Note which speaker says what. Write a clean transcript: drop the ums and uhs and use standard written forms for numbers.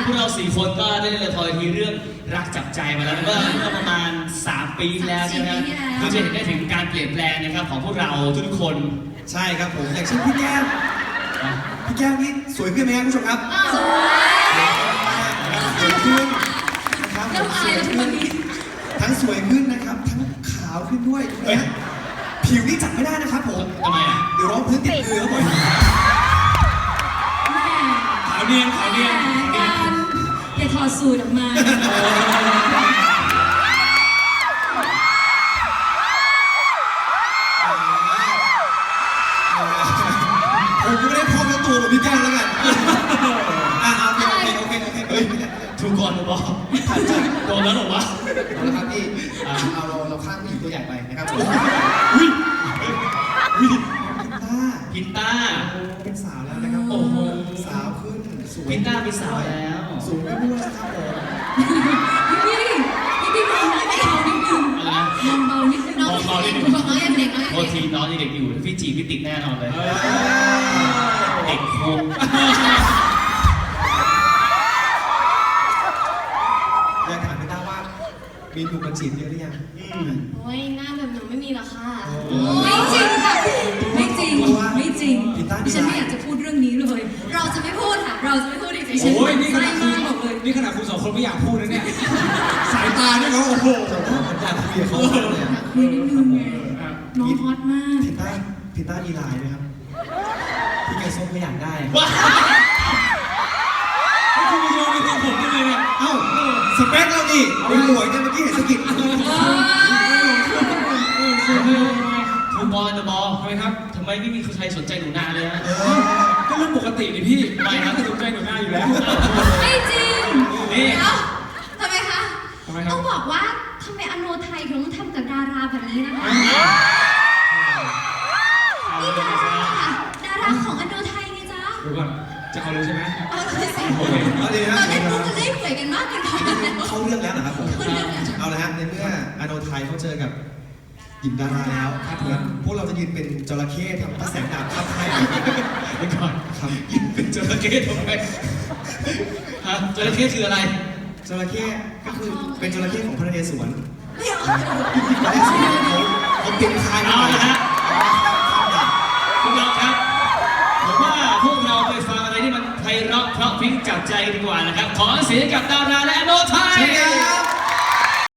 Speaker 1: พวกเรา4 คนก็ได้เล่นละครทีเรื่องรักจับใจมาแล้วเมื่อประมาณ3 ปีแล้วใช่ไหมครับก็จะเห็นได้ถึงการเปลี่ยนแปลงนะครับของพวกเราทุกคน
Speaker 2: ใช่ครับผมอย่างเช่นพี่แก้มนี่สวยขึ้นไหมครับผู้ชมครับ
Speaker 3: สวย
Speaker 2: ขึ้นนะครับทั้งสวยขึ้นนะครับทั้งขาวขึ้นด้วยนะผิวนี่จับไม่ได้นะครับผม
Speaker 1: ทำไมอ่ะ
Speaker 2: เดี๋ยวร้องพื้นติดมือครับผม
Speaker 1: ขาวเนียน
Speaker 3: อย่าถอดสูตรออกมา
Speaker 2: ผมไม่ได้พอกับตัวแบบพี่แก้วแล้วกันโอเค
Speaker 1: ถูกก่อนหรือเปล่าโดนแล้วหรอวะ
Speaker 2: เอาละครับพี่เราข้ามผู้หญิงตัวใหญ่ไปนะครับ
Speaker 1: พินต้า
Speaker 2: เป็นสาวแล้วนะครับ
Speaker 1: โอ้โห
Speaker 2: สาวขึ้นสวย
Speaker 1: พินต้าเป็นสาวแล้ว
Speaker 2: สูงขึ้นด้วยนะครับผม
Speaker 3: พี่มองไม่เอานิดนึงมองเบานิดนึง
Speaker 1: มองเบานิดนึง
Speaker 3: น้องยังเด็ก
Speaker 1: โทษทีน้องยังเด็กอยู่พี่จีพี่ติดแน่นอนเลยเด็กคง
Speaker 2: อยากถามพี่ต้าว่ามีหนุ่มมาจีบเยอะหรือยัง
Speaker 3: โอ้ยหน้าแบบหนูไม่มีหรอกค่ะไม่จริงค่ะไม่จริงดิฉันไม่อยากจะพูดเรื่องนี้เลยเราจะไม่พูดค่ะเราจะไม่พูดจริงๆ
Speaker 4: โอ้ยนี่ขนาดคุณ2 คนไม่อยากพูดนะเนี่ยสายตาเนี่ยเขาโอ้โห
Speaker 2: อยากคุยกับเขาเลย
Speaker 3: คุยนิดนึงไงน้องฮอตมาก
Speaker 2: พิต้าดีไลน์ไหมครับพี่แกส้มก็อยากได้
Speaker 4: คุณมาโยนไปตรงผมได้เลยเนี่ย
Speaker 2: เอ้าสเปคเราดิเป็นหมวยกันเมื่อกี้เห็นสกิด
Speaker 1: ทูบอลทำไมครับทำไมไม่มีใครสนใจหนูนาเลยฮะ
Speaker 4: ก็เรื่องปกติดิพี่
Speaker 1: ไม่นะ
Speaker 4: สนใจหนูนาอยู่แล้ว
Speaker 3: ไม่จริง
Speaker 1: นี่
Speaker 3: ทำไมคะต้องบอกว่าทำไมอโนไทยถึงทำกับดาราแบบนี้นะคะนี่ดาราของอโนไทยไงจ๊ะ
Speaker 4: ดูก่อนจะเอาเลยใช่ไหม
Speaker 3: เอาเลยสิเราเล่นมุกกันเล่นหวยกันมากเกินไป
Speaker 2: เขาเรื่องแล้วนะครับผมเอาละฮะในเมื่ออโนไทยเขาเจอกับหญิงดาราแล้วพวกเราจะยืนเป็นจระเข้ทำพระแสงดาบข้ามให้
Speaker 1: ไปก่อนครับยืนเป็นจระเข้ทำไมฮะจระเข้คืออะไร
Speaker 2: จระเข้ก็คือเป็นจระเข้ของพระนเรศวร
Speaker 3: ไม่เอา
Speaker 2: พระนเรศวรเขาเป็นคาย
Speaker 1: เอาละฮะพวกเราครับผมว่าพวกเราไปฟังอะไรที่มันไพเราะเพราะพริ้งจับใจดีกว่านะครับขอเสียงกับดาราและโนไทย